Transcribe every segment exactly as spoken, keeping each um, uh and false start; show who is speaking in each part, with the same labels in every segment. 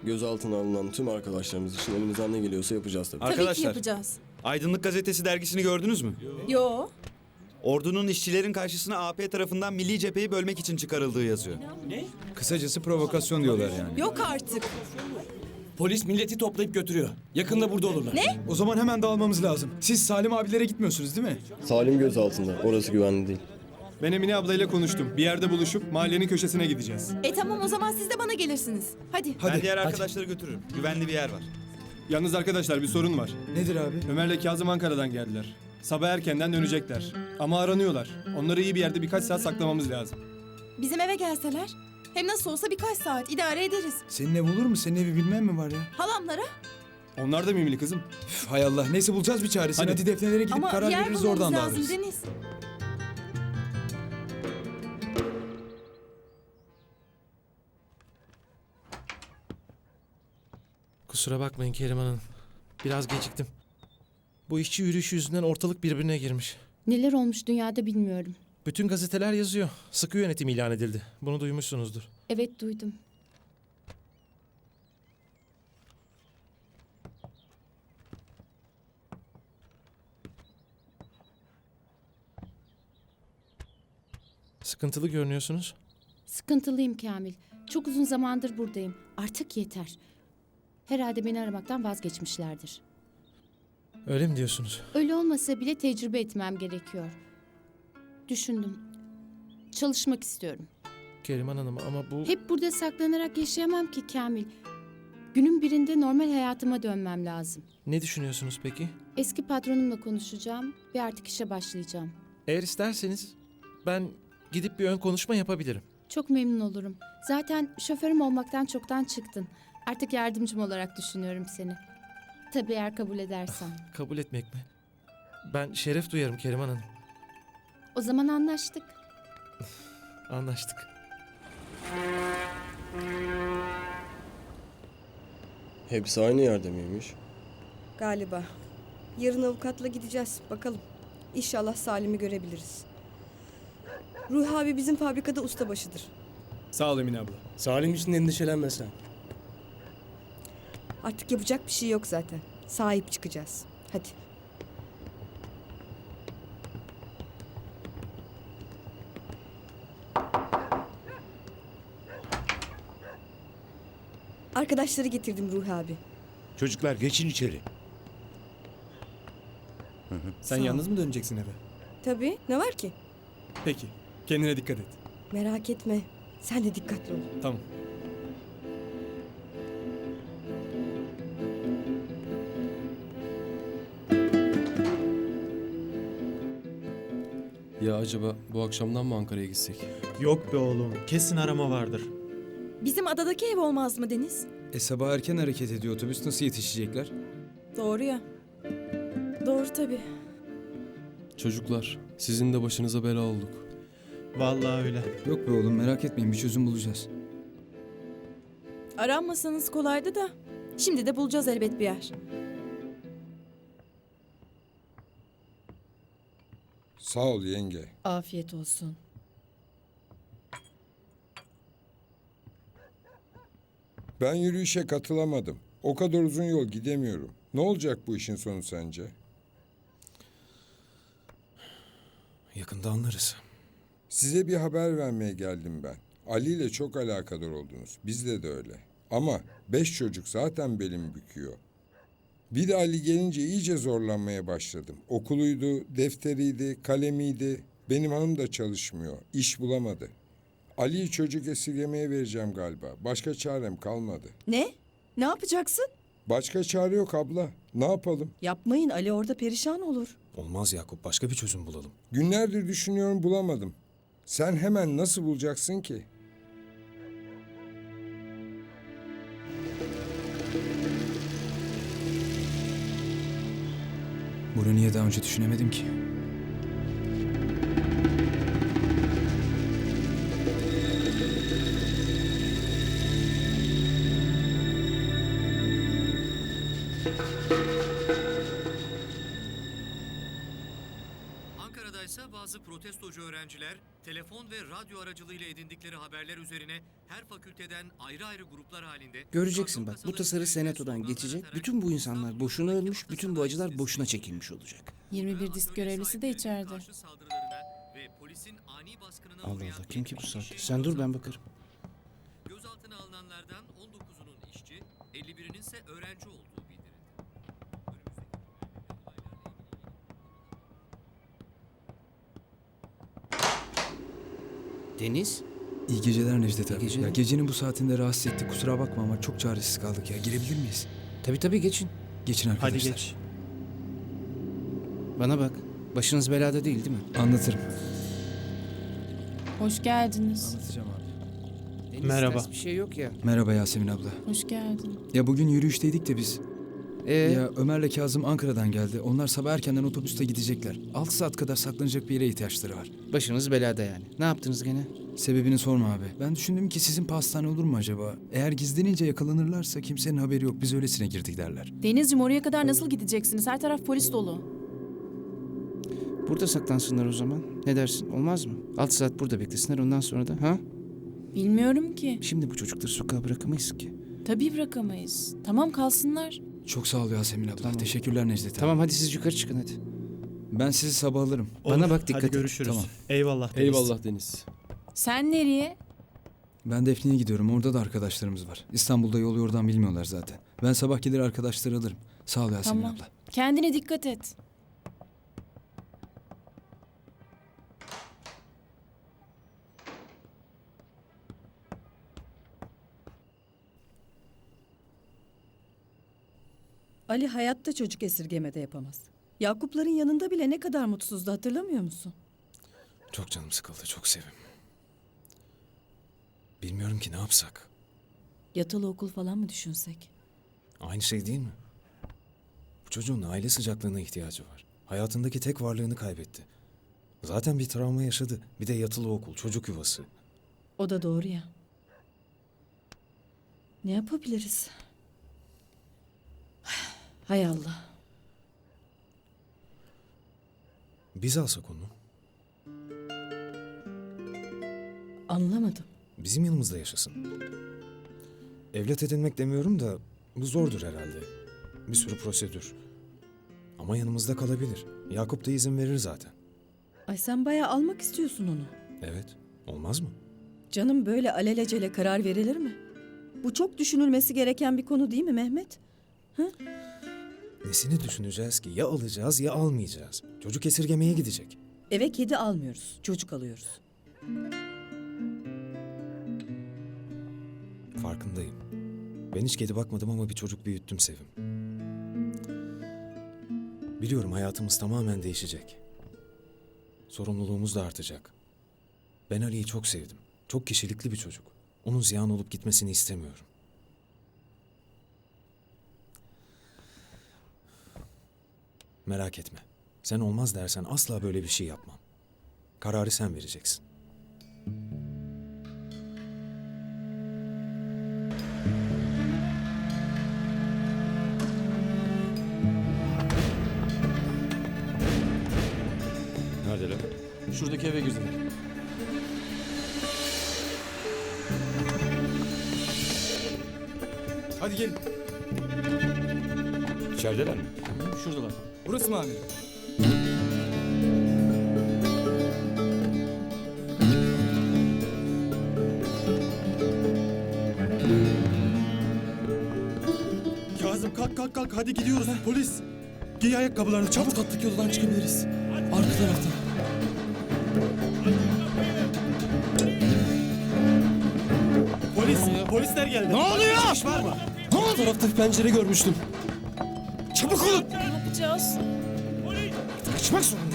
Speaker 1: Gözaltına alınan tüm arkadaşlarımız için elimizden ne geliyorsa yapacağız tabii.
Speaker 2: Tabii ki
Speaker 3: Arkadaşlar,
Speaker 2: yapacağız.
Speaker 3: Aydınlık Gazetesi dergisini gördünüz mü?
Speaker 2: Yo.
Speaker 3: Ordunun işçilerin karşısına A P tarafından milli cepheyi bölmek için çıkarıldığı yazıyor.
Speaker 4: Kısacası provokasyon diyorlar yani.
Speaker 2: Yok artık.
Speaker 5: Polis milleti toplayıp götürüyor. Yakında burada olurlar.
Speaker 2: Ne?
Speaker 4: O zaman hemen dağılmamız lazım. Siz Salim abilere gitmiyorsunuz değil mi?
Speaker 1: Salim gözaltında. Orası güvenli değil.
Speaker 6: Ben Emine ablayla konuştum. Bir yerde buluşup mahallenin köşesine gideceğiz.
Speaker 2: E tamam o zaman siz de bana gelirsiniz. Hadi.
Speaker 4: Hadi.
Speaker 3: Ben diğer
Speaker 4: hadi.
Speaker 3: arkadaşları götürürüm. Güvenli bir yer var.
Speaker 6: Yalnız arkadaşlar bir sorun var.
Speaker 4: Nedir abi?
Speaker 6: Ömer'le Kazım Ankara'dan geldiler. Sabah erkenden dönecekler. Ama aranıyorlar. Onları iyi bir yerde birkaç saat saklamamız lazım.
Speaker 2: Bizim eve gelseler. Hem nasıl olsa birkaç saat idare ederiz.
Speaker 4: Senin ev olur mu? Senin evi bilmem mi var ya?
Speaker 2: Halamlara.
Speaker 6: Onlar da mimli kızım.
Speaker 4: Üf, hay Allah. Neyse bulacağız bir çaresini.
Speaker 6: Hadi.
Speaker 4: Hadi, defnelere gidip
Speaker 2: Ama
Speaker 4: karar
Speaker 2: yer
Speaker 4: veririz
Speaker 2: bulmamız
Speaker 4: oradan
Speaker 2: lazım
Speaker 4: dağılırız.
Speaker 2: Deniz.
Speaker 7: Kusura bakmayın Keriman Hanım. Biraz geciktim. Bu işçi yürüyüşü yüzünden ortalık birbirine girmiş.
Speaker 8: Neler olmuş dünyada bilmiyorum.
Speaker 7: Bütün gazeteler yazıyor. Sıkı yönetim ilan edildi. Bunu duymuşsunuzdur.
Speaker 8: Evet duydum.
Speaker 7: Sıkıntılı görünüyorsunuz.
Speaker 8: Sıkıntılıyım Kamil. Çok uzun zamandır buradayım. Artık yeter. Herhalde beni aramaktan vazgeçmişlerdir.
Speaker 7: Öyle mi diyorsunuz?
Speaker 8: Öyle olmasa bile tecrübe etmem gerekiyor. Düşündüm. Çalışmak istiyorum.
Speaker 7: Keriman Hanım ama bu...
Speaker 8: Hep burada saklanarak yaşayamam ki Kamil. Günün birinde normal hayatıma dönmem lazım.
Speaker 7: Ne düşünüyorsunuz peki?
Speaker 8: Eski patronumla konuşacağım ve artık işe başlayacağım.
Speaker 7: Eğer isterseniz ben gidip bir ön konuşma yapabilirim.
Speaker 8: Çok memnun olurum. Zaten şoförüm olmaktan çoktan çıktın. Artık yardımcım olarak düşünüyorum seni. Tabii eğer kabul edersen.
Speaker 7: Kabul etmek mi? Ben şeref duyarım Keriman Hanım.
Speaker 8: O zaman anlaştık.
Speaker 7: Anlaştık.
Speaker 1: Hepsi aynı yerde miymiş?
Speaker 9: Galiba. Yarın avukatla gideceğiz. Bakalım. İnşallah Salim'i görebiliriz. Ruhi abi bizim fabrikada ustabaşıdır.
Speaker 6: Sağ ol Emine abla.
Speaker 5: Salim için endişelenme sen.
Speaker 9: Artık yapacak bir şey yok zaten. Sahip çıkacağız. Hadi. Arkadaşları getirdim Ruhi abi.
Speaker 10: Çocuklar geçin içeri.
Speaker 6: Sen
Speaker 9: Sağ ol.
Speaker 6: yalnız mı döneceksin eve?
Speaker 9: Tabii. Ne var ki?
Speaker 6: Peki. Kendine dikkat et.
Speaker 9: Merak etme. Sen de dikkatli ol.
Speaker 6: Tamam.
Speaker 11: Ya acaba bu akşamdan mı Ankara'ya gitsek?
Speaker 5: Yok be oğlum. Kesin arama vardır.
Speaker 2: Bizim adadaki ev olmaz mı Deniz?
Speaker 4: E sabah erken hareket ediyor otobüs. Nasıl yetişecekler?
Speaker 2: Doğru ya. Doğru tabii.
Speaker 11: Çocuklar, sizin de başınıza bela olduk.
Speaker 5: Vallahi öyle.
Speaker 4: Yok be oğlum merak etmeyin bir çözüm bulacağız.
Speaker 2: Aranmasanız kolaydı da. Şimdi de bulacağız elbet bir yer.
Speaker 10: Sağ ol yenge.
Speaker 8: Afiyet olsun.
Speaker 10: Ben yürüyüşe katılamadım. O kadar uzun yol gidemiyorum. Ne olacak bu işin sonu sence?
Speaker 7: Yakında anlarız.
Speaker 10: Size bir haber vermeye geldim ben. Ali ile çok alakadar oldunuz. Bizde de öyle. Ama beş çocuk zaten belimi büküyor. Bir de Ali gelince iyice zorlanmaya başladım. Okuluydu, defteriydi, kalemiydi. Benim hanım da çalışmıyor. İş bulamadı. Ali'yi çocuk esirgemeye vereceğim galiba. Başka çarem kalmadı.
Speaker 9: Ne? Ne yapacaksın?
Speaker 10: Başka çare yok abla. Ne yapalım?
Speaker 9: Yapmayın. Ali orada perişan olur.
Speaker 7: Olmaz Yakup. Başka bir çözüm bulalım.
Speaker 10: Günlerdir düşünüyorum bulamadım. Sen hemen nasıl bulacaksın ki?
Speaker 4: Bunu niye daha önce düşünemedim ki?
Speaker 12: Ankara'daysa ise bazı protestocu öğrenciler telefon ve radyo aracılığıyla edindikleri haberler üzerine her fakülteden ayrı ayrı gruplar halinde...
Speaker 13: Göreceksin bak, bu tasarı senatodan geçecek. Bütün bu insanlar boşuna ölmüş, bütün bu acılar boşuna çekilmiş olacak.
Speaker 2: yirmi bir disk görevlisi de içeride.
Speaker 12: karşı saldırılarına ve polisin ani baskınına
Speaker 13: Allah
Speaker 12: uğrayan
Speaker 13: Allah, kim ki bu
Speaker 12: yetmiş
Speaker 13: saatte?
Speaker 12: kişi
Speaker 13: Sen dur, ben bakarım.
Speaker 12: Gözaltına alınanlardan on dokuzunun işçi, elli birinin ise öğrenci olduğu bildirildi.
Speaker 13: Deniz?
Speaker 4: İyi geceler Necdet abi.
Speaker 13: İyi geceler.
Speaker 4: Ya gecenin bu saatinde rahatsız ettik. Kusura bakma ama çok çaresiz kaldık ya. Girebilir miyiz?
Speaker 13: Tabii tabii, geçin.
Speaker 4: Geçin
Speaker 7: Hadi
Speaker 4: arkadaşlar.
Speaker 7: geç.
Speaker 13: Bana bak, başınız belada değil değil mi?
Speaker 4: Anlatırım.
Speaker 2: Hoş geldiniz.
Speaker 4: Anlatacağım abi.
Speaker 13: Deniz,
Speaker 7: Merhaba.
Speaker 13: ters bir şey yok ya.
Speaker 4: Merhaba Yasemin abla.
Speaker 2: Hoş geldin.
Speaker 4: Ya bugün yürüyüşteydik de biz.
Speaker 13: Ee,
Speaker 4: Ya Ömer'le Kazım Ankara'dan geldi. Onlar sabah erkenden otobüste gidecekler. altı saat kadar saklanacak bir yere ihtiyaçları var.
Speaker 13: başınız belada yani. Ne yaptınız gene?
Speaker 4: Sebebini sorma abi. Ben düşündüm ki sizin pastane olur mu acaba? Eğer gizlenince yakalanırlarsa kimsenin haberi yok. Biz öylesine girdik derler.
Speaker 2: Denizciğim, oraya kadar nasıl gideceksiniz? Her taraf polis dolu.
Speaker 13: Burada saklansınlar o zaman. Ne dersin? Olmaz mı? altı saat burada beklesinler, ondan sonra da ha?
Speaker 2: Bilmiyorum ki.
Speaker 13: Şimdi bu çocukları sokağa bırakamayız ki.
Speaker 2: Tabii bırakamayız. Tamam, kalsınlar.
Speaker 4: Çok sağ ol Yasemin abla.
Speaker 13: Tamam.
Speaker 4: Teşekkürler Necdet abi.
Speaker 13: Tamam, hadi siz yukarı çıkın hadi.
Speaker 4: Ben sizi sabah alırım.
Speaker 13: Bana bak, dikkat
Speaker 7: Hadi
Speaker 13: et.
Speaker 7: görüşürüz.
Speaker 4: Tamam.
Speaker 7: Eyvallah. Deniz.
Speaker 11: Eyvallah Deniz.
Speaker 2: Sen nereye?
Speaker 4: Ben Defne'ye gidiyorum. Orada da arkadaşlarımız var. İstanbul'da yol yordan bilmiyorlar zaten. Ben sabah gelir arkadaşları alırım. Sağ ol Yasemin
Speaker 2: Tamam.
Speaker 4: abla.
Speaker 2: Kendine dikkat et.
Speaker 9: Ali hayatta çocuk esirgemede yapamaz. Yakupların yanında bile ne kadar mutsuzdu, hatırlamıyor musun?
Speaker 14: Çok canım sıkıldı, çok sevim. Bilmiyorum ki ne yapsak.
Speaker 9: Yatılı okul falan mı düşünsek?
Speaker 14: Aynı şey değil mi? Bu çocuğun aile sıcaklığına ihtiyacı var. Hayatındaki tek varlığını kaybetti. Zaten bir travma yaşadı. Bir de yatılı okul, çocuk yuvası.
Speaker 9: O da doğru ya. Ne yapabiliriz? Hay Allah.
Speaker 14: Biz alsak onu.
Speaker 9: Anlamadım.
Speaker 14: Bizim yanımızda yaşasın. Evlat edinmek demiyorum da bu zordur herhalde. Bir sürü prosedür. Ama yanımızda kalabilir. Yakup da izin verir zaten.
Speaker 9: Ay sen bayağı almak istiyorsun onu.
Speaker 14: Evet, olmaz mı?
Speaker 9: Canım, böyle alelacele karar verilir mi? Bu çok düşünülmesi gereken bir konu değil mi Mehmet?
Speaker 14: Nesini düşüneceğiz ki? Ya alacağız ya almayacağız. Çocuk esirgemeye gidecek.
Speaker 9: Eve kedi almıyoruz, çocuk alıyoruz.
Speaker 14: Farkındayım. Ben hiç kedi bakmadım ama bir çocuk büyüttüm Sevim. Biliyorum hayatımız tamamen değişecek. Sorumluluğumuz da artacak. Ben Ali'yi çok sevdim. Çok kişilikli bir çocuk. Onun ziyan olup gitmesini istemiyorum. Merak etme. Sen olmaz dersen asla böyle bir şey yapmam. Kararı sen vereceksin.
Speaker 11: Neredeler?
Speaker 5: Şuradaki eve girdiler.
Speaker 4: Hadi gelin.
Speaker 5: İçerideler mi? Şuradalar.
Speaker 4: Burası mı amirim?
Speaker 7: Kazım kalk kalk kalk hadi gidiyoruz. Polis. Giy ayakkabılarını çabuk.
Speaker 5: Attık yoldan çıkabiliriz. Arka taraftan.
Speaker 7: Polis. Polisler geldi.
Speaker 5: Ne oluyor?
Speaker 7: İş var mı?
Speaker 5: Arka tarafta bir pencere görmüştüm.
Speaker 7: Çabuk olun.
Speaker 2: Ne yapacağız?
Speaker 13: Kaçmak zorundayım.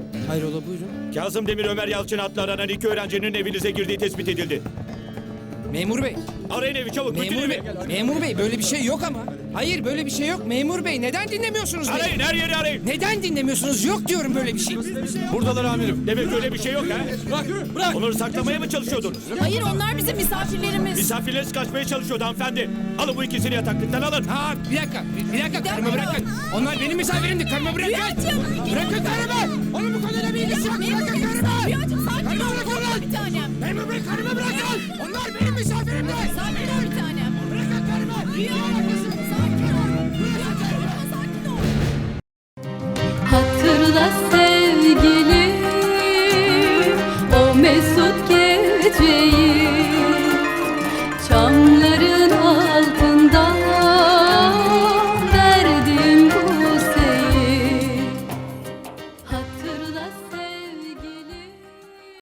Speaker 13: Hayrola, buyurun.
Speaker 5: Kazım Demir Ömer Yalçın adlı aranan iki öğrencinin evinize girdiği tespit edildi.
Speaker 13: Memur bey.
Speaker 5: Arayın evi çabuk.
Speaker 13: Memur bey. Memur bey böyle bir şey yok ama. Hayır böyle bir şey yok. Memur bey neden dinlemiyorsunuz beni?
Speaker 5: Arayın her yeri arayın.
Speaker 13: Neden dinlemiyorsunuz? Yok diyorum böyle bir şey.
Speaker 5: Buradalar amirim. Demek öyle bir şey yok ha. Bırak bırak. Onları saklamaya mı çalışıyordunuz?
Speaker 2: Hayır onlar bizim misafirlerimiz.
Speaker 5: Misafirleriniz kaçmaya çalışıyordu hanımefendi. Alın bu ikisini yataklıktan alın.
Speaker 13: Ha bir dakika. Bir, bir dakika karımı bırakın. Onlar benim misafirimdi. Karımı bırakın. Bırakın karımı. Onun bu konuyla bir ilgisi yok. Bırakın karımı.
Speaker 2: Rüyacığım sakin
Speaker 13: Karımı
Speaker 2: ol.
Speaker 13: bırakın lan.
Speaker 2: Bir tanem.
Speaker 13: Memur bey karımı bırakın. Onlar benim misafirimdi.
Speaker 2: Sakin ol bir tanem.
Speaker 13: Bırakın karımı.
Speaker 2: Rüya sakin ol. Rüyacığım sakin ol.
Speaker 15: Hatırla sevgilim o mesut geceyi.